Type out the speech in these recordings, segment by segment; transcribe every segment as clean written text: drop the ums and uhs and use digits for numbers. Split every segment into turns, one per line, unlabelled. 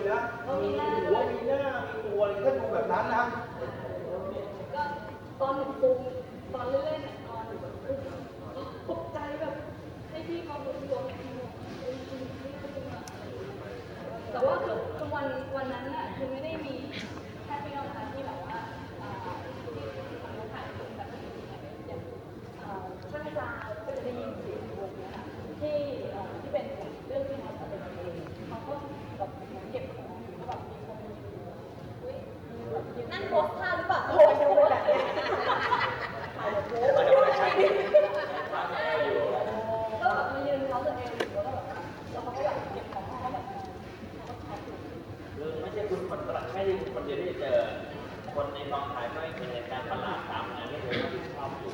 นะมีหัวมีหน้ามีตัวอะไรก็ดูแบบนั้นนะ
ก็ตอนหนูฟูมตอนเล่นๆนอนหนูแบบตกใจแบบให้พี่เขาดูตัวแม่ที่หนูแต่ว่าคือวันนั้นน่ะคือไม่ได้มีแค่พี่น้องนะคะที่แบบว่าที่ทำถ่ายแบบอย่างช่างจาก็จะได้ยินเสียงวงนะคะที่เป็นเรื่องที่เขาทำเป็นเองเขาก็แบบเก็บของแล้วแบบมีคนนั่นโพสท่าหรือเปล่าโพสดูแบบนี้ก็แบบมายืนเขาตัวเองแล้วก็แบบแล้วเขาก็แบบเก็บของเขาแบบ
คือไม่ใช่คุณคนไม่ใช่คนเดียวที่เจอคนในกองถ่ายก็เป็นเหตุการณ์ประหลาดตามงานที่ผมรับผิดชอบอยู่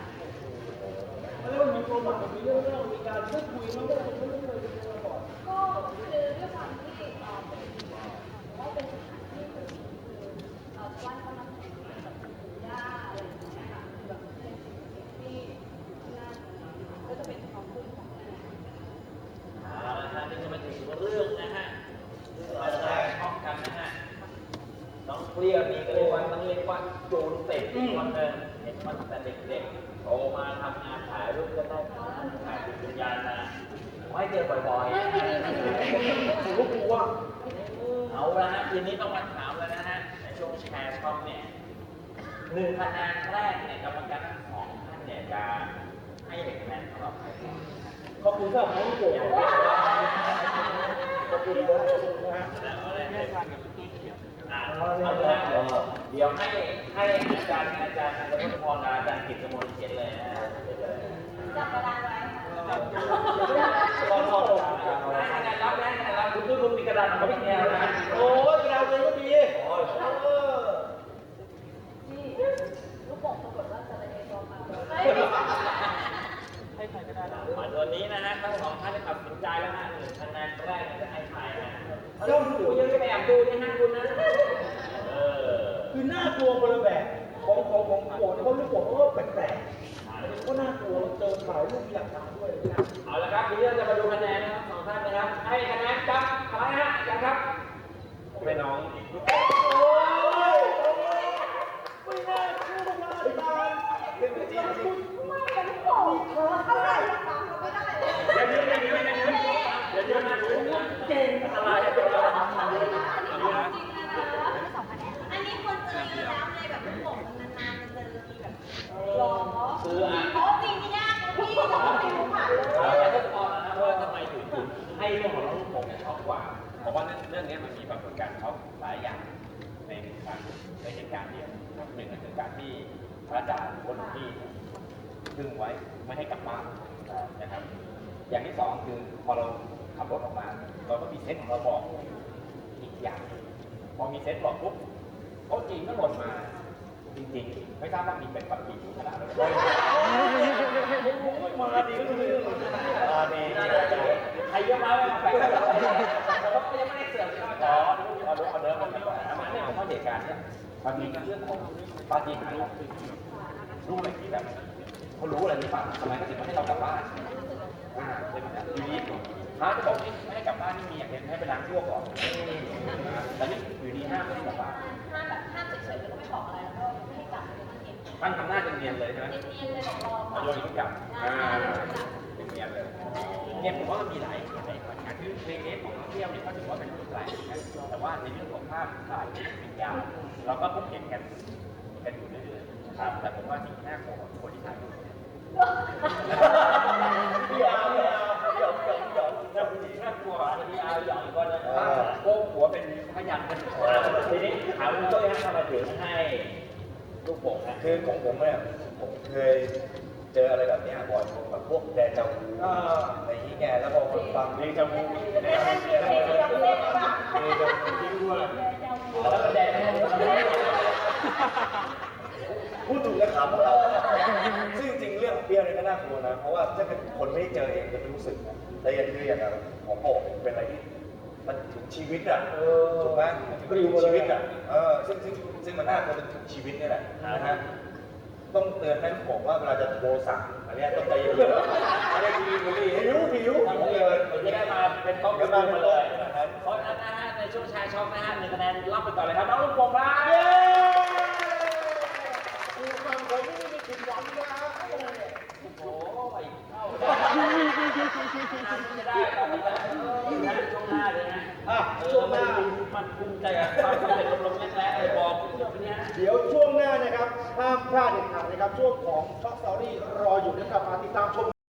แล้วมีโปรโมทมีเรื่องมีการพูดคุยมั้งก็ไม่เคยเจอก่อน
ก็คือด้วยความที่ว่าเป็นสถานที่คือบ้านเขานำแข่งแบบย่าอะไรอย่างเงี้ยค่ะแบบเป็นสิ่งที่น่าก็จะเป็นความคุ้มของแม่
นะฮะนี่ก็เป็นถึงเรื่องนะฮะเราจะชอบกันนะฮะน้องเปรี้ยวนี่ก็เรียกว่าต้องเรียกว่าโจรเสร็จคนหนึ่งเห็นมันแต่เด็กๆโตมาทำงานถ่ายรูปก็ได้ถ่ายติดวิญญาณนะให้เจอบ่อยๆ
ผมก็กลัว
เอาละฮะทีนี้ต้องมาถามแล้วนะฮะในช่วงแชร์ช่องเนี่ย1 คะแนนแรกเนี่ยกรรมการทั้ง2 ท่านเนี่ยจะให้1 คะแนนสำหรับใคร
ขอบคุณครับน้องโกขอบคุณนะฮะ
เอาละเดี๋ยวให้อาจารย์อัตพรอาจารย์กิตติมนต์เขียนเลยนะฮะ
จับกระดานไว้
ขอโทษให้คะแนนรับคุณมีกระดานของพี่แนวนะ
โอ้ยกระดานเลยก็ดี
นี่ลูกโป่งปรากฏว่าจะอะไรตัวมา
ให้ใครก็ได้มาตัวนี้นะฮะทั้ง2 ท่านได้ตัดสินใจแล้วฮะ1 คะแนนแรกจะให้ใครนะย่อมดูยังไปแอบดูนี่ฮะคุณนะ
คือน่ากลัวคนละแบบของโกรธเนี่ยเขาลูกโกรธเขาก็แปลกๆก็น่ากลัวเจอถ่ายรูปมีหลักฐานด้วยนะ
เอาละครับทีนี้เราจะมาดูคะแนนนะครับ2 ท่านนะครับให้คะแนนกับอะไรฮะอาจารย์ครับผมเป็นน้องลูกโป่ง
โอ้ยไม่น่าเชื่อมากอาจารย์เป็นจริง
ไม่เป็นลูกโป่งเท่าไหร่ฟังไม่ได้
เดี๋ยวนะ
เก่ง
อะไร
อันนี้คนเจอเยอะแล้วเลยแบบลูกโป่งนานๆมันจะมีแบบหรอ
คือ
เขาจริงไม่ยากนะพี่แต่ว่าไม่รู้ผ่านเลย
แล้วก็พอนะว่าทำไมถึงให้เรื่องของลูกโป่งชอบกว่าเพราะว่าเรื่องนี้มันมีปรากฏการณ์ชอบหลายอย่างในเหตุการณ์เดียว1คือการที่พระอาจารย์คนที่ดึงไว้ไม่ให้กลับบ้านนะครับอย่างที่2คือพอเราขับรถออกมาเราก็มีเซนส์ของเราบอกอีกอย่างพอมีเซนส์บอกปุ๊บโต๊ะจีนก็หล่นมาจริงๆไม่ทราบว่ามีเป็นปัจจัยขนาดไหน
มาดีก็คือ
ดีใครเยอะมากเลยแปลกแต่ว่ายังไม่ได้เสื่อมขอเดิมกันก่อนนะเนี่ยผมว่าเหตุการณ์เนี่ยบางทีเรื่องของปาฏิหาริย์รู้อะไรที่แบบเขารู้อะไรที่ฝันทำไมก็ถึงไม่ให้เรากลับบ้านใช่ไหมครับอยู่ดีพระจะบอกไม่ให้กลับบ้านนี่มีอย่างเดียวให้ไปล้างชั่วก่อนแต่นี่อยู่ดีห้ามไม่ให้กลับบ้าน
ห้ามเฉยๆแล้วก็ไม่บอกอะไรแล้วก็ไม่ให้กลับเลยนั่นเอง
ท่านทำหน้าจะเนียนเลยใช่ไหม
เนียนเลยบอกรอ
โยนทิ้งกลับเป็นเนียนเลยเนี่ยผมว่ามันมีหลายอย่างคือในเคสของเที่ยวเนี่ยก็ถือว่าเป็นแปลกนะแต่ว่าในเรื่องของภาพถ่ายวิญญาณเราก็พบเห็นกันอยู่เรื่อยๆครับแต่ผมว่าสิ่งที่น่ากลัวของคนที่ถ่ายรูปเนี่ย
พี่อาหยอก
น่ากลัวที่อาหยอกก็นะโก้หัวเป็นพยัญชนะทีนี้ถามคุณต้อยฮะทำไมถึงให้ลูกโป่งนะ
คือของผมเนี่ยผมเคยเจออะไรแบบนี้บ่อยแบบพวกแดจาวูอะไรอย่างเงี้ยแล้วพอฟัง
เดจาวู
เดจาวู
ที่รู้ว่าแล้วก็แดง
พูดถูกและขำของเราซึ่งจริงเรื่องเบี้ยวเนี่ยก็น่ากลัวนะเพราะว่าถ้าเกิดคนไม่ได้เจอเองจะไม่รู้สึกแต่อย่างคืออย่างของโป่งเป็นอะไรที่มันถึงชีวิตอ่ะถูกไหมมันถึงชีวิตอ่ะซึ่งมันน่ากลัวเป็นถึงชีวิตนี่แหละนะฮะต้องเตือนแม่ผมว่าเวลาจะโทรสั่งอันนี้ต้องใจเย็นๆอะไรดีๆผิว
ผมเลยจะได้มาเป็นโต๊ะกันมาเลยเพราะฉะนั้นนะฮะในช่วงแชร์ช็อปนะฮะ1คะแนนรับไปก่อนเลยครับน้องลูกโป่งครับ
เย้ดูฟังผมนี่ไม่ผิดหวังนะ
โอ้ยเข้าจะได้ตอนนี้นะช่วงหน้าเลยนะ
อ่ะช่วงหน้า
มันภูมิใจกับความสำเร็จลงๆแรงๆเลยบอกเนี้ย
เดี๋ยวช่วงหน้านะครับห้ามพลาดเด็ดขาดนะครับช่วงของช็อกสตอรี่รออยู่นะครับมาติดตามชม